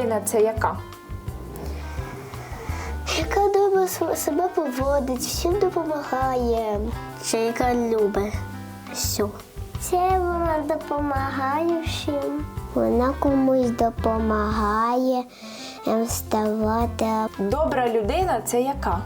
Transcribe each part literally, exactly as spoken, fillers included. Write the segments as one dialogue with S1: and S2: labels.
S1: людина це яка?
S2: Яка добре себе поводить, всім допомагає. Це яка любить все. Це вона допомагає всім. Вона комусь допомагає вставати.
S1: Добра людина це яка?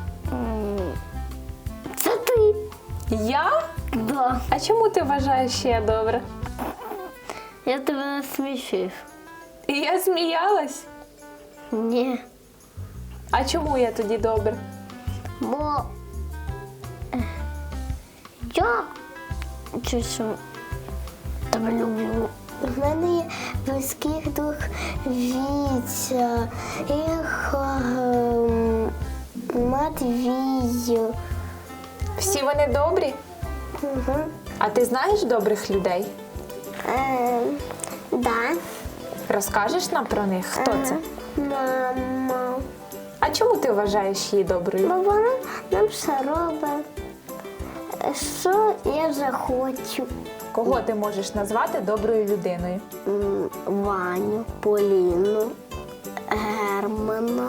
S2: Це ти.
S1: Я?
S2: Да.
S1: А чому ти вважаєш, що я добра?
S2: Я тебе насмішив.
S1: І я сміялась?
S2: Ні.
S1: А чому я тоді добра?
S2: Бо е, я щось тебе люблю. У мене є близьких друг Вітя, їх ем, Матвій.
S1: Всі вони добрі?
S2: Угу.
S1: А ти знаєш добрих людей?
S2: Е, да.
S1: Розкажеш нам про них? Хто це?
S2: Мама.
S1: А чому ти вважаєш її доброю?
S2: Бо вона нам все робить. Що я захочу?
S1: Кого ти можеш назвати доброю людиною?
S2: М, Ваню, Поліну, Германа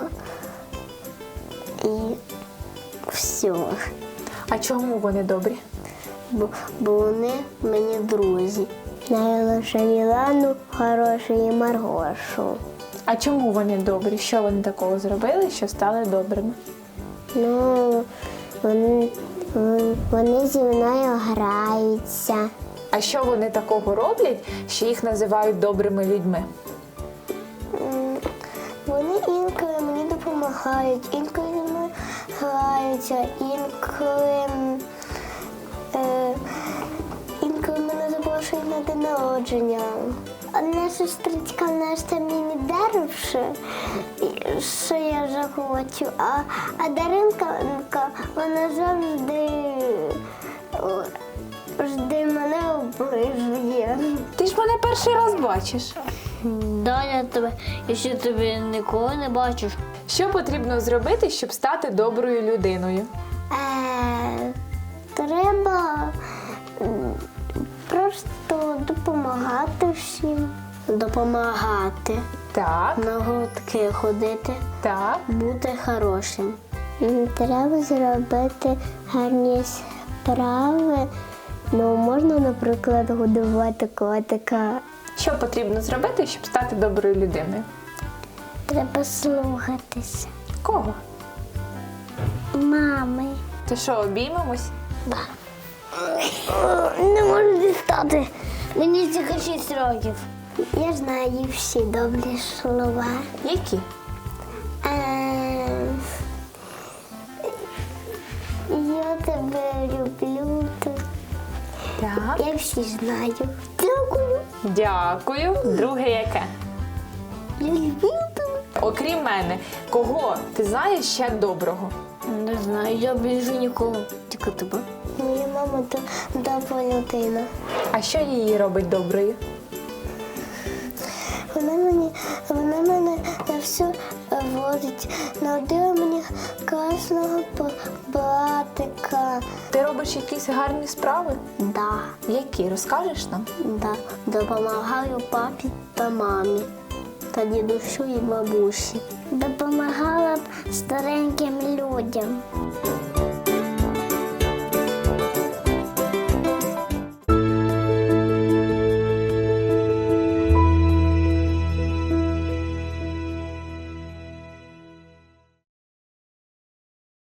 S2: і все.
S1: А чому вони добрі?
S2: Бо, бо вони мені друзі. Найлише Мілану, хорошу і Маргошу.
S1: А чому вони добрі? Що вони такого зробили, що стали добрими?
S2: Ну, вони, вони зі мною граються.
S1: А що вони такого роблять, що їх називають добрими людьми?
S2: М, Вони інколи мені допомагають, інколи зі мною граються, інколи, е, інколи мене запрошують на день народження. Одна сестричка в нас там мені даривши, що я захочу, а, а Даринка, вона завжди, о, завжди мене оближує.
S1: Ти ж мене перший раз бачиш.
S2: Да, я тебе, я ще тебе ніколи не бачу.
S1: Що потрібно зробити, щоб стати доброю людиною?
S2: Е, треба м, просто допомагати всім. Допомагати.
S1: Так,
S2: На гуртки ходити,
S1: так.
S2: бути хорошим. Треба зробити гарні справи. Ну, можна, наприклад, годувати котика.
S1: Що потрібно зробити, щоб стати доброю людиною?
S2: Треба слухатися.
S1: Кого?
S2: Мами.
S1: То що, обіймемось?
S2: Да. Не можу дістати. Мені тільки шість років. Я знаю всі добрі слова.
S1: Які?
S2: Е, Я тебе люблю.
S1: Так.
S2: Я всі знаю. Дякую.
S1: Дякую. Друге яке?
S2: Я люблю тебе.
S1: Окрім мене, кого ти знаєш ще доброго?
S2: Не знаю, я більше нікого. Тільки тебе. Моя мама то добра людина.
S1: А що її робить доброю?
S2: Вона мені, вона мене на все водить. Народила мені класного братика.
S1: Ти робиш якісь гарні справи?
S2: Да,
S1: Які? Розкажеш нам?
S2: да. Допомагаю папі та мамі, та дідусю і бабусі. Допомагала б стареньким людям.